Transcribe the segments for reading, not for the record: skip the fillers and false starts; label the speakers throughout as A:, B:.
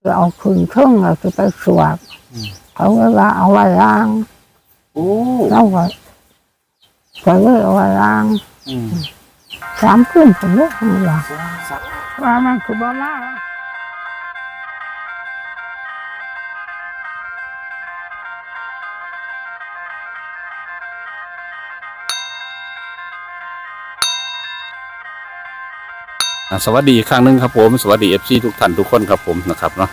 A: เอาขึ้นเครื่องเราจะไปสวดเขาก็ว่าเอาไว้ล้างแล้วก็เลยเอาไว้ล้าง3 คืนผมเลยว่ามันคือบ้ามา
B: สวัสดีอีกครั้งหนึ่งครับผมสวัสดีFCทุกท่านทุกคนครับผมนะครับเนาะ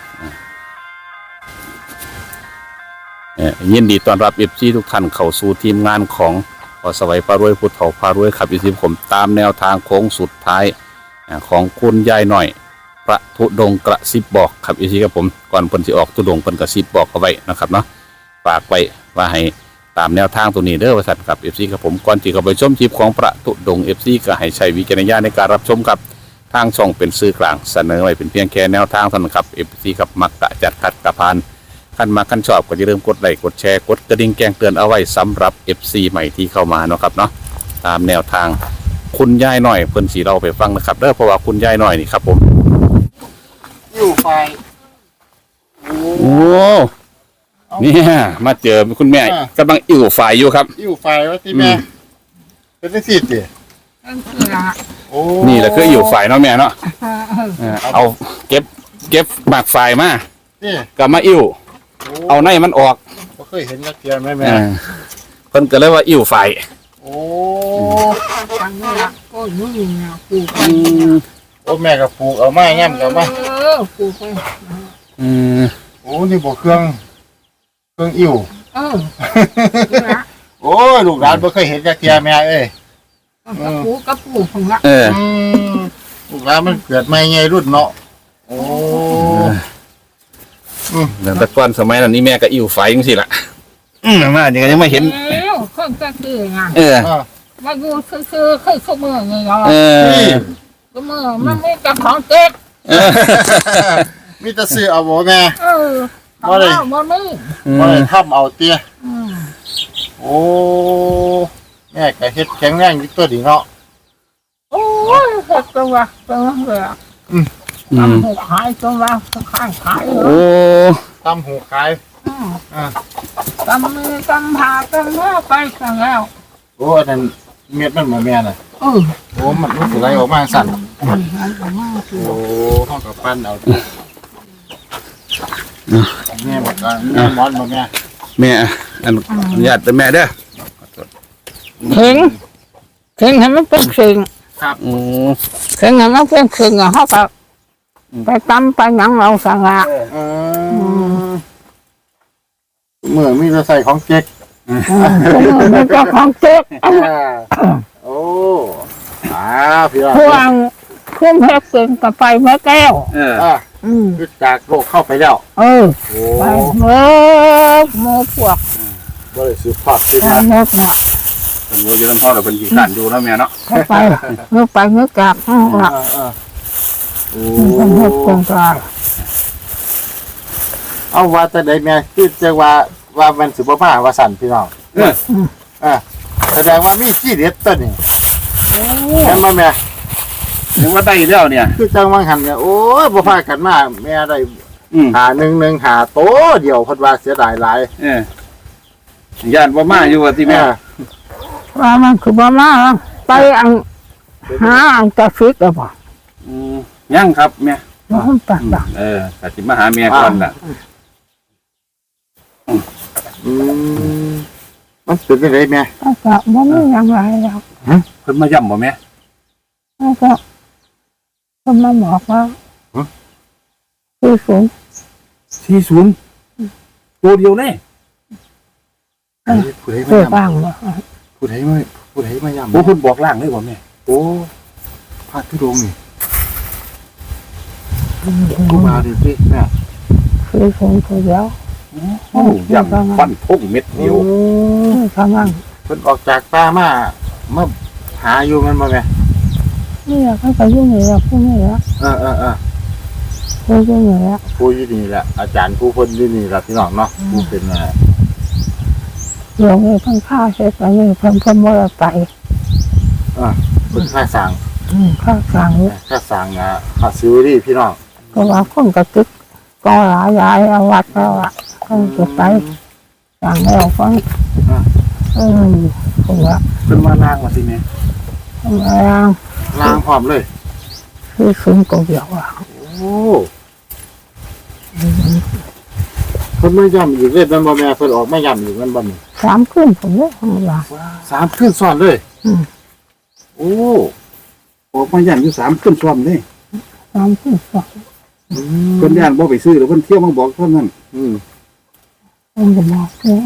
B: ยินดีต้อนรับ FCทุกท่านเข้าสู่ทีมงานของพอสวัยพารวยพุทธเถาพารวยครับอีกผมตามแนวทางโค้งสุดท้ายของคุณยายหน่อยพระธุดงค์กระซิบบอกครับอีกครับผมก่อนเพิ่นสิออกธุดงค์เพิ่นกระซิบบอกเอาไว้นะครับเนาะฝากไว้ว่าให้ตามแนวทางตัวนี้เด้อว่าสัตว์ครับ FC ครับผมก่อนที่จะไปชมคลิปของพระธุดงค์ FC ก็ให้ใช้วิจารณญาณในการรับชมครับทางช่องเป็นสื่อกลางเสนอไว้เป็นเพียงแค่แนวทางเท่านั้นครับ FC ครับมักกะจัดขัดกระพานขั้นมาขั้นชอบก็อย่าลืมกดไลค์กดแชร์กดกระดิ่งแจ้งเตือนเอาไว้สำหรับ FC ใหม่ที่เข้ามาเนาะครับเนาะตามแนวทางคุณยายหน่อยเพิ่นสีเราไปฟังนะครับเด้อเพราะว่าคุณยายหน่อยนี่ครับผม
C: อยู่ไฟ
B: โอ้เนี่ยมาเจอคุณแม่กำลังอิ่วไฟอยู่ครับ
C: อยู่ไฟว่าที่แม่เป็นได้สิดิ
B: นี่แหละคืออิ่วไฟเนาะแม่เนาะเอาเก็บหมากไฟมากับมาอิ่วเอาในมันออก
C: ก็เคยเห็นกระเทียมไหมแม่
B: เพิ่นก็เลยว่าอิ่วไฟ
C: โอ้ทางนี้ละโอ้ยนี่นะปลูกโอ้แม่ก็ปลูกเอาไม้แง้มกับมาปลูกไปโอ้นี่บอกเครื่องอิ่วโอ้ลูกหลานไม่เคยเห็นกระเทียมแม่เอ้ย
A: กระปูของละ
C: ลูกหลานมันเกิดไม่ไงรุ่นเนาะโอ้
B: แต่ก่อนสมัยนั้นนี่แม่ก็อิ่วไฟจังซี่ล่ะมาเดี๋ยวยังไม่เห็น
A: เครื่องจะคือไงมาดูคือขมือไงเหรอขมือมันไม่กับของเจ๊ก
C: มีแต่ซื้อเอาบ่แม่
A: บ่ได้
C: บ่ได้ทำเอาเตี้ยโอ้แม่ก็เฮ็ดแข็งแรงอยู่ตัวดีเนาะ
A: โอ้ยเฮ็ดตัวเลยทำหูขายตัวขาย
C: โอ้ทำหูขาย
A: ทำมือทำผ่าทำเนื้อไปกันแล้ว
C: โอ้นั่นเม็ดมันเหมือนแม่น่ะโอ้มันสิไหลออกมาสั่นโอ้ห้องกับปั้นเอาแม่บอกว่าแม่มอนบอก
B: แม่อันญาติแม่เด้อ
A: เข่งให้มันเป็นเข่ง
C: ครับ
A: เข่งให้มันเป็นเข่งอ่ะเขาแบบไปตั้มไปหนังเราสั่งละ
C: เมื่อมีใส่ของเจ๊ก
A: มันก็ของเจ๊ก
C: โอ้พี่
A: พวงพุ่มเพชรเป็นกับไฟเมื่อแก้ว
C: คือจากโลกเข้าไปแล้ว
A: ไปเมื่อโมพวก
C: ก็เลยสืบทอดขึ้น
A: มาเมื่อเนาะ
B: เป็นโมยืนพ่อเราเป็นขี้ขันอยู่แล้วแม่เนาะ
A: ไปเมื่อกลับละเมื่อคงกลาง
C: เอาว่าแต่ใดแม่คือจะว่ามันสืบผ้าว่าสั่นพี่น้องแสดงว่ามีขี้เด็ดต้นนี่เห็นไหมแม่
B: ถือว่าได้แล้วเนี่ย
C: คือจังวังหันเนี่ยโอ้ยบ่พากันมาแม่ได้หาหาโตเดียวพัดว่าเสียดายหลาย
B: ญาติบ่มาอยู่ว่าที่แม่
A: ว่ามันคือบ่มาไปหาจะฟิกหรือเปล่า
B: ยังครับแม่
A: มันตัด
B: แต่สิมาหาแม่ก่อนน่ะ
C: มันเป็นยังไงแม่
A: ก็บ่มีอย่างไรแล้ว
B: เพิ่นมาย่ำบ่แม่
A: ก็มาบอกว่า
B: 40ตัวเดียวแน่
C: ผู้ใดมาย่ำ
A: บ้าง
C: ผู้ใดมาย่ำ
B: โอ้คุณบอกล่างเลยบ่แม่
C: โอ้พาทุดงนี่กูมาดิพี่แม่
A: ตัวเดียว
B: ย่ำฟันทุ่งเม็ดเดียว
A: ทำมั่ง
C: เพิ่นออกจากป่ามาหาอยู่มันบ่แม่
A: นี่เขาไปยุ่งเหยิงพวกนี้แล้วผู้ยุ่งเหยิง
C: ผู้อยู่นี่แหละอาจารย์ผู้คนอยู่นี่แหละพี่น้องเนาะผู้เป็น
A: หลวงนี่เพิ่งฆ่าเสร็จแล้วนี่เพิ่มมรดกไป
C: เป็นค่าสั่ง
A: ค่าสั่ง
C: ค่าซื้อดิพี่น้อง
A: ก็ว่าคนกระตึกก็หลายยายเอาวัดแล้วอ่ะเขาจะไปสั่งแล้วก็ผมว่า
B: เป็นมาล่างมาสิแม่
C: ล้างพร้อมเลย
A: คือสูงตัวเดียวอ่ะ
C: โอ้เพิ่นไม่ย่ำอีกเลยมันบ่แม่เพิ่นออกไม่ย่ำอีกมันบ่นี่
A: 3 ขึ้นผมเลยธรรมดา
C: 3คืนซ้อนเลยโอ้ออกมาย่ำอยู่3คืนซ้อนนี่
A: 3 ขึ้นสอง
B: เพิ่นย่านบ่ไปซื้อหรือเพิ่นเที่ยวมาบอกเท่านั้น
A: ผมจะบอกเลย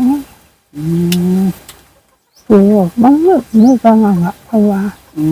A: คือมันไม่จังหวะเพราะว่า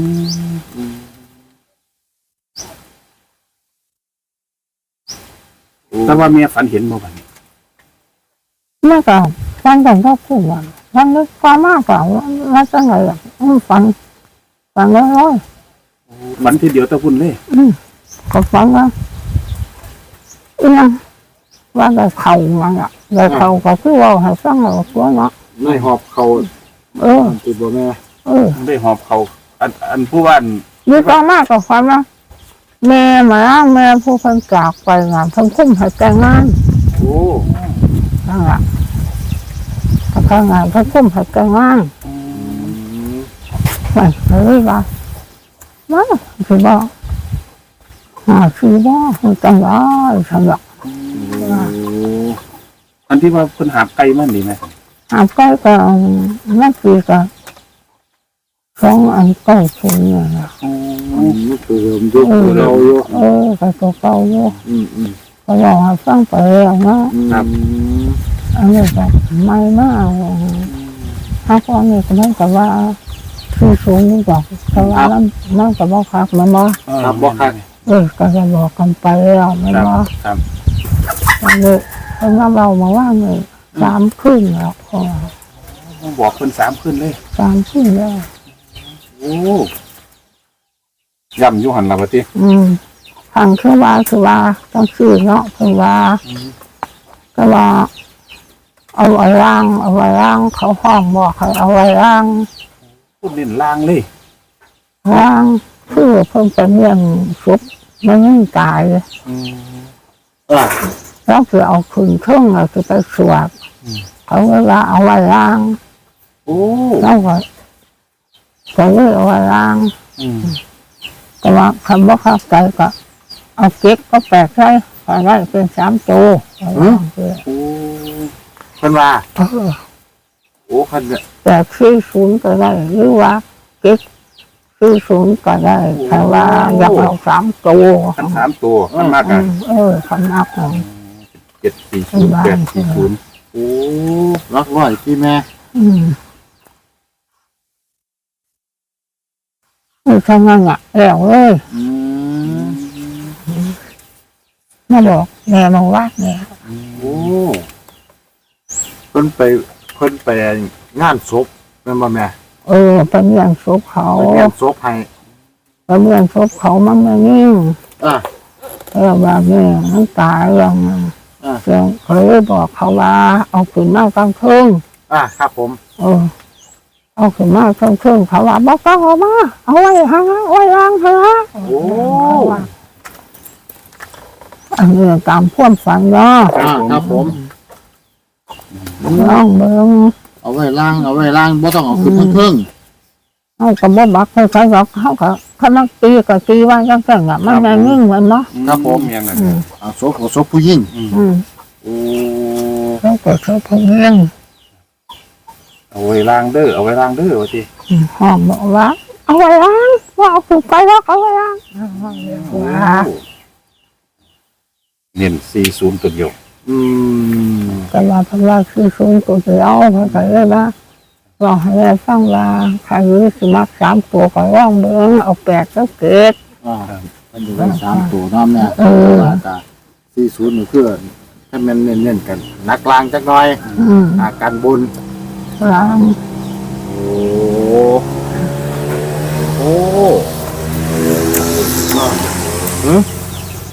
B: แต่ว่าแม่ฝันเห็นบ่บัดนี้
A: เมื่อก่อนฟันกันก็พูดว่าฟันนึกความมากกว่าว่าจังไงอ่ะฟันร้อย
B: ฝันทีเดียวแตะพุ่นเลย
A: ก็ฟังว่าอีนั่งว่าได้เข่ามันอ่ะได้เข่าก็คือว่าให้ฟังเราตัวเนาะ
C: ในหอบเขา ติดบ่แม่
B: ได้หอบเขาอันผู้ว่า
A: มีความมากกว่าความว่าแม่มาแม่ผู้คนจากไปงานทั้งคุ้มให้แต่งงาน
C: โอ้
A: นั่นแหละทั้งงานทั้งคุ้มให้แต่งงานไม่เลยว่าว่าคือว่าคือว่าจังได้สำหรับ
B: อันที่ว่าเพิ่นหาไก่มันดีไหม
A: ใกล้ก็นั่นคือก็2 อันใกล้คุณเนี่ยนะ
C: นี่คือเริ่มยุคเราอยู่
A: ก็ตัวเก่าอยู่ ก็ลองให้ฟังไปแล้วเนาะ
C: ครับ
A: อันนี้ก็ไม่มากถ้าพ่อเนี่ยก็ไม่กับว่าคือสูงนี่บอกแต่ว่านั่นกับว่าคักมันมา
C: ครับบ่คัก
A: ก็จะบอกกันไปแล้วไม่
B: ครับ
A: ว่า
B: ครับ
A: อันนี้เพราะว่าเรามาว่าเนี่ย3 ขึ้นแล้วพอ
B: บอกเพิ่น3ขึ้นเลย
A: 3 ขึ้นแล้ว
B: โอ้ย่ำอยู่หันล่ะบัดนี้
A: ทางคือว่าต้องซื้อเนาะคือว่าก็ว่าเอาไว้ร่างเขาห้องบอกให้เอาไว้ร่าง
B: พูดเล่นล่างเลย
A: คือเพิ่งไปเลี้ยงซุปมันไม่ตาย แล้วคือเอาคืนเครื่องคือไปสวดเขาก็ว่าเอาไว้ร่าง
B: โอ้
A: แล้วก็เลยเอาไว้ร่างแต่ว่าคำว่าข้าวไก่ก็เอาเก็บก็แปลกใช่พอได้เป็น3 ตัว
C: โอ้เพิ่นว่าโอ้คันเนี่ย
A: แต่40ก็ได้หรือว่าเก็บ40ก็ได้แต่ว่าอยากเอา3 ตัว
B: อัน3ตัวมันมากอ่ะ
A: คำนับของ
B: 740 840โอ้
C: รักร้อยพี่แม่
A: ทำงานอ่ะแล้วเลยมาบอกแม่มาว่าแม่
C: โอ้เพิ่นไปงานศพแม่นบ่แม่
A: เป็นเรื่องศพเขา
C: ไปงานศพให้
A: เป็นเรื่องศพเขามันไม่นิ่ง
C: อ่ะ
A: แล้วแบบนี้มันตายอย่างนั้นเขาเลยบอกเขาว่าเอาขึ้นมากลางคืน
C: ครับผม
A: เอาขึ้นมากลางคืนเขาว่าบอกต้องเอามาเอาไว้ห่างเอาไว้ล้างเถอะ
C: โอ้
A: อันนี้ตามความฝันเนาะ
C: ครับผม
A: น้องเบิ้ง
C: เอาไว้ล้างบ่ต้องเอาขึ้นทั้งเครื่อง
A: เขาก็บ่บักใครๆหรอกเขาก็เขานักตีก็ตีว่าจังซั่นอ่ะมันไม่นิ่งเหมือนเนาะ
C: ครับผม
B: ยังไง
C: เอาศพของศพผู้หญิงโอ้
A: เขาก็เขาพงเลี้ยง
B: เอาไว้ล้างเด้อว่าสิ
A: ห้องบอกว่าเอาไว้ล้างว่าเอาขึ้นไปแล้วเอาไว้ล้างว่า
B: เน้น40ตัวเดียว
A: แต่ว่าเพราะว่าคือสูงตัวเดียวเขาก็เลยว่าเราให้ได้ฟังว่าใครรู้สมัคร3 ตัวก็ร่องเบิ้งเอา8ก็เกิด
C: มันอยู่กัน3ตัวน้ำเนี่ยว่าตา40นี่คือถ้ามันเน้นๆกันนักลางจักหน่อยการบุญ
A: ล้าง
C: โอ้